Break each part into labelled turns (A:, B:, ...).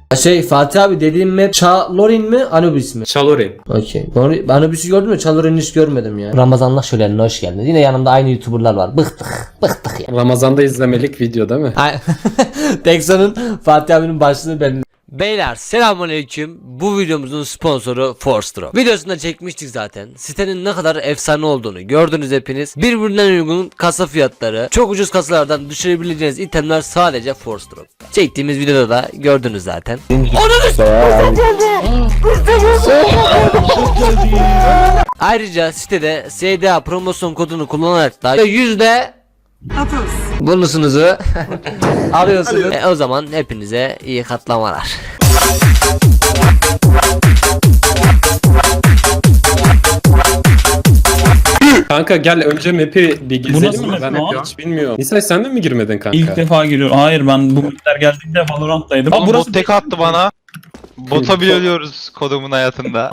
A: Şey Fatih abi dediğim map Çalorin mi Anubis mi?
B: Çalorin.
A: Okey. Anubis'i gördün mü? Çalorin'i hiç görmedim ya. Ramazanlar şölenine hoş geldiniz. Yine yanımda aynı YouTuber'lar var. Bıktık ya.
B: Ramazan'da izlemelik video değil mi?
A: Texan'ın Fatih abinin başlığını ben. Beyler selamünaleyküm. Bu videomuzun sponsoru Force. Videosunda çekmiştik zaten. Sitenin ne kadar efsane olduğunu gördünüz hepiniz. Birbirinden uygun kasa fiyatları, çok ucuz kasalardan düşürebileceğiniz itemler sadece Force. Çektiğimiz videoda da gördünüz zaten. Ayrıca sitede SDA promosyon kodunu kullanarak da bonusunuzu alıyorsunuz. O zaman hepinize iyi katlamalar.
B: Kanka gel önce map'i bir gezelim
C: nasıl
B: mi?
C: map
B: Ben
C: lan?
B: hiç bilmiyorum. Nisay sen de mi girmedin kanka?
C: İlk defa geliyorum. Hayır ben bu mapler geldiğinde Valorant'taydım.
D: Oğlum bot tek attı bana. Bota bile ölüyoruz kodumun hayatında.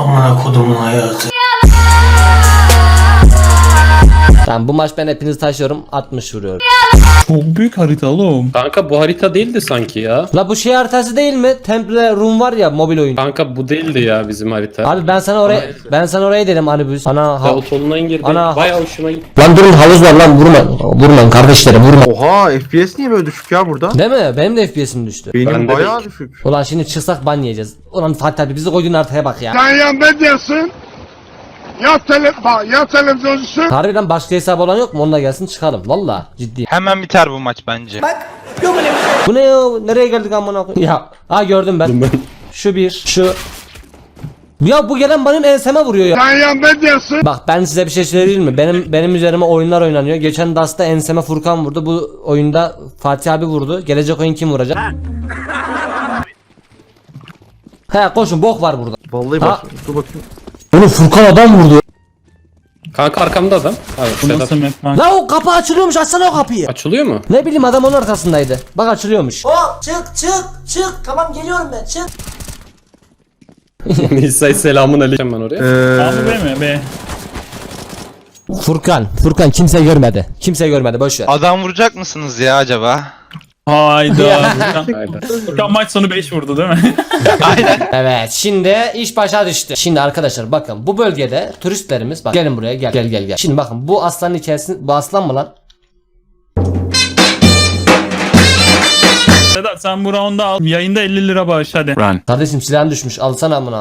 A: Tamam bu maç ben hepinizi taşıyorum 60 vuruyorum.
C: Çok büyük harita oğlum.
B: Kanka bu harita değildi sanki ya.
A: La bu şey haritası değil mi? Temple Room var ya mobil oyun.
B: Kanka bu değildi ya bizim harita.
A: Abi ben sana oraya dedim Anubis.
B: Ya o tonuna girdi.
A: Ana-
B: Bayağı hoşuma gitti.
A: Lan durun havuz var lan vurmayın kardeşlerim vurma.
E: Oha, FPS niye böyle düşük ya burada?
A: Değil mi? Benim de FPS'im düştü.
E: Benim
B: Ben de
E: bayağı
B: değil.
E: düşük.
A: Ulan şimdi çıksak ban yiyeceğiz. Ulan Fatih abi bizi koyduğun haritaya bak ya.
F: Sen ya ne diyorsun? Ya televizyoncusun.
A: Harbiden başka hesabı olan yok mu? Onunla gelsin çıkalım. Valla ciddiyim.
D: Hemen biter bu maç bence.
A: Bu ne ya? Nereye geldik amına koyayım? Ya gördüm ben. Şu bir, şu. Ya bu gelen benim enseme vuruyor ya.
F: Sen ya ne diyorsun?
A: Bak ben size bir şey söyleyeyim mi? Benim üzerime oyunlar oynanıyor. Geçen Dust'ta enseme Furkan vurdu. Bu oyunda Fatih abi vurdu. Gelecek oyun kim vuracak? He koşun bok var burada.
E: Vallahi
A: Ha.
E: bak, dur bakayım.
A: Oğlum Furkan adam vurdu.
B: Kanka arkamda adam. Evet,
C: Bu
B: Sedat.
C: nasıl map kanka?
A: La o kapı açılıyormuş açsana o kapıyı.
B: Açılıyor mu?
A: Ne bileyim adam onun arkasındaydı. Bak açılıyormuş.
G: Çık. Tamam geliyorum ben. Çık.
B: Nisay selamun aleyküm ben oraya.
C: Abi B mi? B.
A: Furkan kimse görmedi. Kimse görmedi boş ver.
D: Adam vuracak mısınız ya acaba?
C: Hayda.
B: Hayda.
C: Furkan maç sonu 5 vurdu değil mi?
A: Evet şimdi iş başa düştü. Şimdi arkadaşlar bakın bu bölgede turistlerimiz bak gelin buraya gel. Şimdi bakın bu aslanın içerisinde bu aslan mı lan?
C: Sedat sen bu round'u al. Yayında 50 lira bağış hadi.
A: Kardeşim silahın düşmüş alsana amına.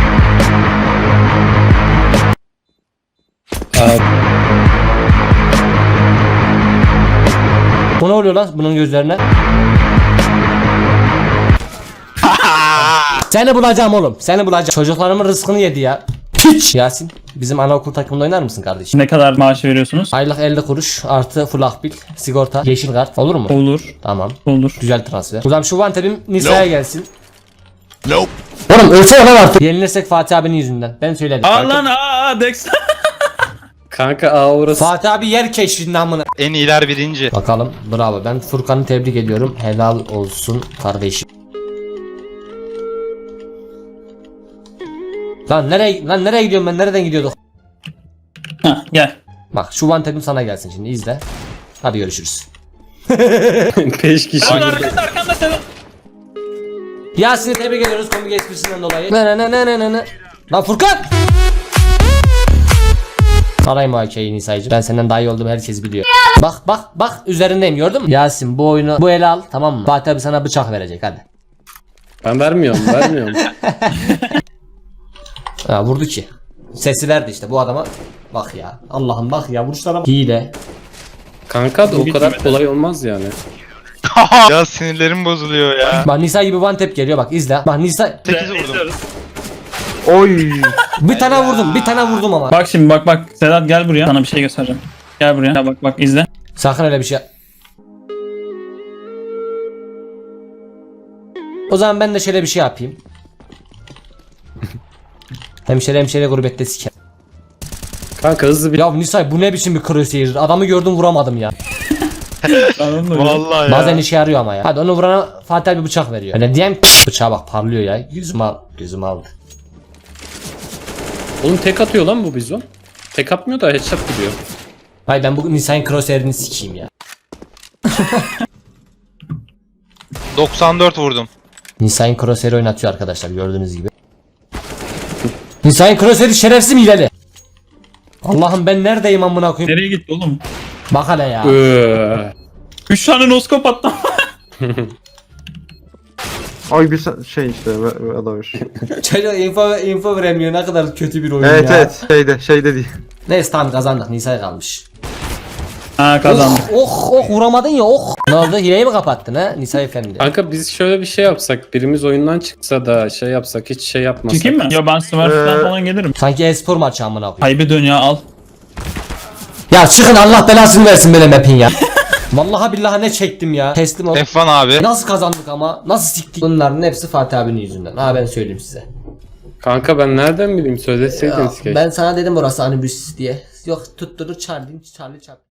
A: Bu ne oluyor lan bunun gözlerine? Seni bulacağım oğlum. Seni bulacağım. Çocuklarımın rızkını yedi ya. Piç. Yasin bizim anaokul takımında oynar mısın kardeşim?
C: Ne kadar maaş veriyorsunuz?
A: Aylık 50 kuruş artı full akbil, sigorta, yeşil kart olur mu?
C: Olur.
A: Tamam.
C: Olur.
A: Güzel transfer. O zaman şu vantepim Nisa'ya gelsin. Oğlum ölsene lan artık. Yenilirsek Fatih abinin yüzünden. Ben söyledim.
C: Aa lan Dex.
B: Kanka orası.
A: Fatih abi yer keşfinin amına.
D: En iyiler birinci.
A: Bakalım bravo ben Furkan'ı tebrik ediyorum. Helal olsun kardeşim. Lan nereye gidiyorum ben? Nereden gidiyorduk?
C: Hah, gel.
A: Bak şu vantepim sana gelsin şimdi izle. Hadi görüşürüz.
B: 5 kişi.
C: Arkanda Sedat.
A: Yasin'i tebrik ediyoruz komik esprisinden dolayı. Ne. Lan Furkan! Sarayım o AK'yi Nisa'cığım. Ben senden daha iyi olduğumu herkes biliyor. Bak üzerindeyim gördün mü? Yasin bu oyunu bu ele al tamam mı? Fatih abi sana bıçak verecek hadi.
B: Ben vermiyorum.
A: Ha vurdu ki. Sesi verdi işte bu adama. Bak ya. Allah'ım bak ya vuruşlara bak. Hile.
B: Kanka da o kadar kolay olmaz yani.
D: Ya sinirlerim bozuluyor ya.
A: Bak Nisa gibi one tap geliyor bak izle. Bak Nisa
D: 8 vurdum.
E: Oy.
A: bir tane vurdum ama.
C: Bak şimdi bak. Sedat gel buraya. Sana bir şey göstereceğim. Gel buraya. Ya bak izle.
A: Sakın öyle bir şey. O zaman ben de şöyle bir şey yapayım. hemşire gurbette siker.
B: Kanka hızlı bir...
A: Ya Nisay bu ne biçim bir crosshair? Adamı gördüm vuramadım ya.
D: Vallahi ya.
A: Bazen işe yarıyor ama ya. Hadi onu vurana Fatih bir bıçak veriyor. Öyle diyeyim bıçağa bak parlıyor ya. Gözüm aldı.
B: Oğlum tek atıyor lan bu bizon. Tek atmıyor da headshot gidiyor.
A: Hayır ben bu Nisay'ın crosshair'ini sikeyim ya.
D: 94 vurdum.
A: Nisa'nın crosshair oynatıyor arkadaşlar gördüğünüz gibi. Nisa'nın crosshair şerefsiz mi hileli? Allah'ım ben neredeyim amına koyayım?
C: Nereye gitti oğlum?
A: Bak hele ya.
C: 3 tane noskop attım.
E: Ay bir şey işte adamış.
A: Çocuk info veremiyor ne kadar kötü bir oyun
E: Evet
A: ya.
E: evet şeyde değil.
A: Neyse tamam kazandık Nisa'ya kalmış.
C: Ha kazandım.
A: Oh vuramadın ya oh. Ne oldu hileyi mi kapattın ha Nisa efendi?
B: Kanka biz şöyle bir şey yapsak. Birimiz oyundan çıksa da şey yapsak. Hiç şey yapmasak.
C: Çıkayım mı? Ya ben Smurf'den falan gelirim.
A: Sanki espor maçı amına koyayım.
C: Haybe dön ya al.
A: Ya çıkın Allah belasını versin böyle map'in ya. Vallahi billahi ne çektim ya. Teslim ol.
D: F1 abi.
A: Nasıl kazandık ama? Nasıl siktik? Bunların hepsi Fatih abinin yüzünden. Ha ben söyleyeyim size.
B: Kanka ben nereden bileyim?
A: Ya,
B: Söyleseydiniz keşke.
A: ben sana dedim orası anibüs diye. Yok tutturur Charlie çarp.